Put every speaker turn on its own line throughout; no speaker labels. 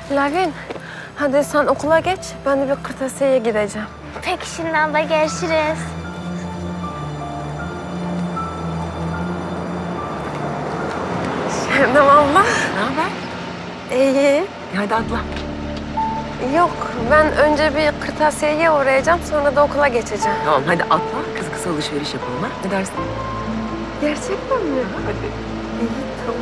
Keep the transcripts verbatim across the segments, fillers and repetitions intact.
Lavin, hadi sen okula geç. Ben de bir kırtasiyeye gideceğim.
Peki şimdi abla, görüşürüz.
Şebnem abla.
Ne haber?
İyi.
Hadi atla.
Yok, ben önce bir kırtasiyeye uğrayacağım. Sonra da okula geçeceğim.
Tamam hadi atla. Kısa kısa alışveriş yapalım ha. Ne dersin?
Gerçekten mi?
Hadi.
İyi, tamam.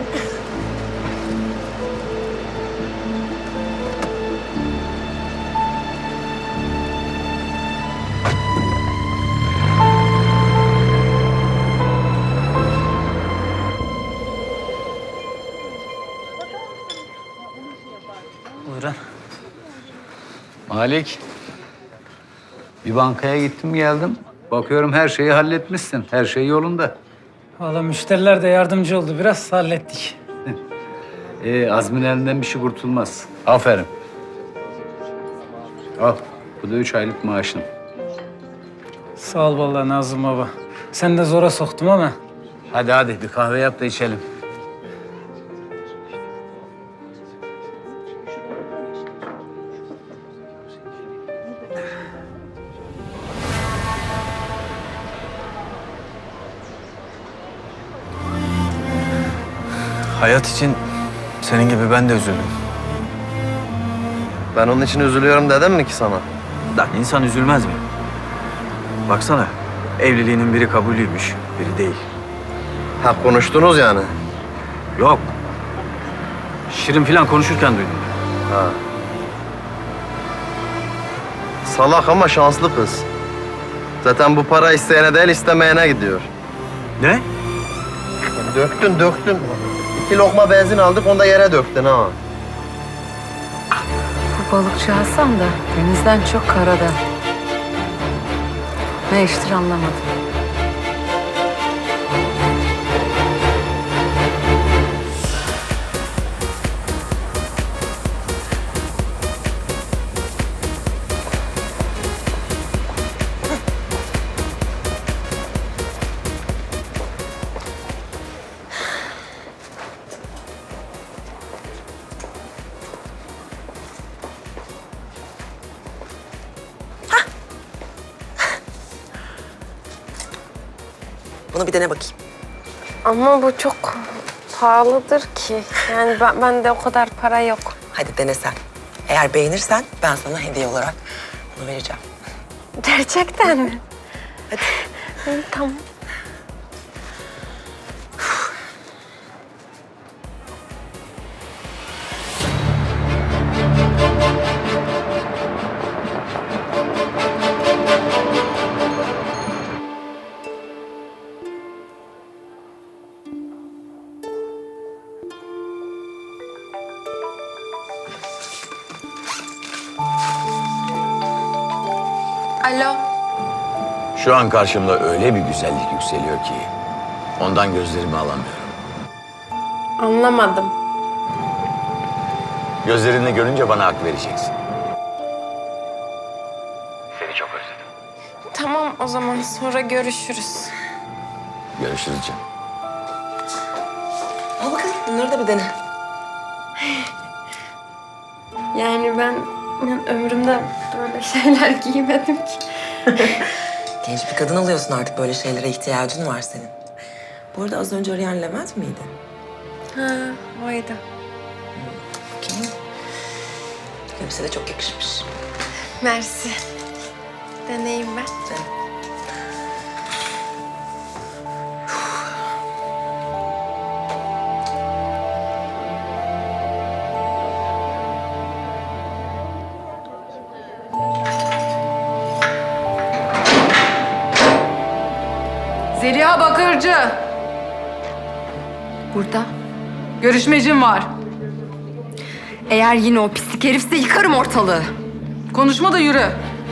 Buyurun.
Malik, bir bankaya gittim geldim. Bakıyorum her şeyi halletmişsin. Her şey yolunda.
Valla müşteriler de yardımcı oldu. Biraz hallettik.
Ee, Azmin elinden bir şey kurtulmaz. Aferin. Al, bu da üç aylık maaşın.
Sağ ol vallahi Nazım baba. Sen de zora soktum ama.
Hadi hadi bir kahve yap da içelim.
Hayat için senin gibi ben de üzüldüm.
Ben onun için üzülüyorum dedim mi ki sana?
Lan insan üzülmez mi? Baksana, evliliğinin biri kabulüymüş, biri değil.
Ha konuştunuz yani.
Yok. Şirin falan konuşurken duydum.
Ha. Salak ama şanslı kız. Zaten bu para isteyene değil istemeyene gidiyor.
Ne?
Döktün döktün. İki lokma benzin aldık onu da yere döktün ha.
Bu balıkçı Hasan da denizden çok karadan. Ne iştir anlamadım. Bunu bir dene bakayım.
Ama bu çok pahalıdır ki. Yani ben, bende o kadar para yok.
Hadi dene sen. Eğer beğenirsen ben sana hediye olarak bunu vereceğim.
Gerçekten mi?
Hadi.
İyi, tamam. Alo.
Şu an karşımda öyle bir güzellik yükseliyor ki ondan gözlerimi alamıyorum.
Anlamadım.
Gözlerinle görünce bana hak vereceksin. Seni çok özledim.
Tamam, o zaman sonra görüşürüz.
Görüşürüz canım.
Al bakalım bunları da bir dene.
Yani ben, ben ömrümde böyle şeyler giymedim ki.
Genç bir kadın oluyorsun artık, böyle şeylere ihtiyacın var senin. Bu arada az önce arayan Levent miydi?
Ha, oydu.
Bakayım. Elbise de çok yakışmış.
Mersi. Deneyim ben.
Zeliha Bakırcı.
Burada.
Görüşmecim var.
Eğer yine o pislik herifse yıkarım ortalığı.
Konuşma da yürü.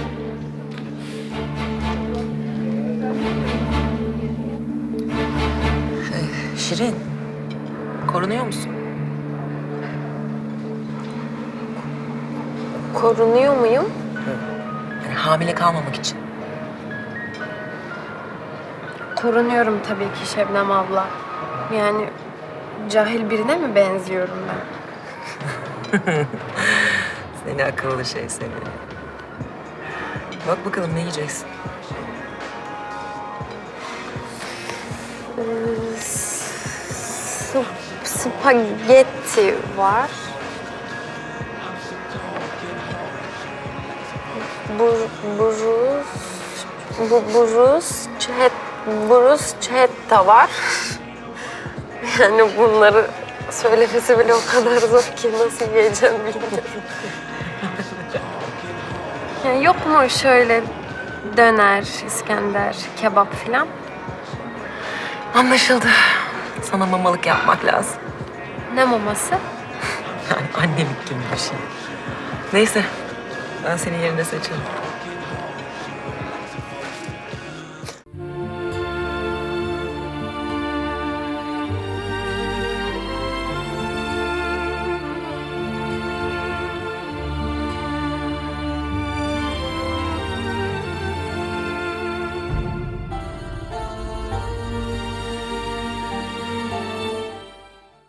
Şirin, korunuyor musun?
Korunuyor muyum?
Yani hamile kalmamak için.
Korunuyorum tabii ki Şebnem abla. Yani cahil birine mi benziyorum ben?
Seni akıllı şey seni. Bak bakalım ne yiyeceksin?
S- Spagetti var. Bur, buruz, bu, buruz, çet, buruz, çetta var. Yani bunları söylemesi bile o kadar zor ki nasıl yiyeceğim bilmiyorum. Yani yok mu şöyle döner, İskender, kebap filan?
Anlaşıldı. Sana mamalık yapmak lazım.
Ne maması?
Yani annelik gibi bir şey. Neyse, ben senin yerine seçerim.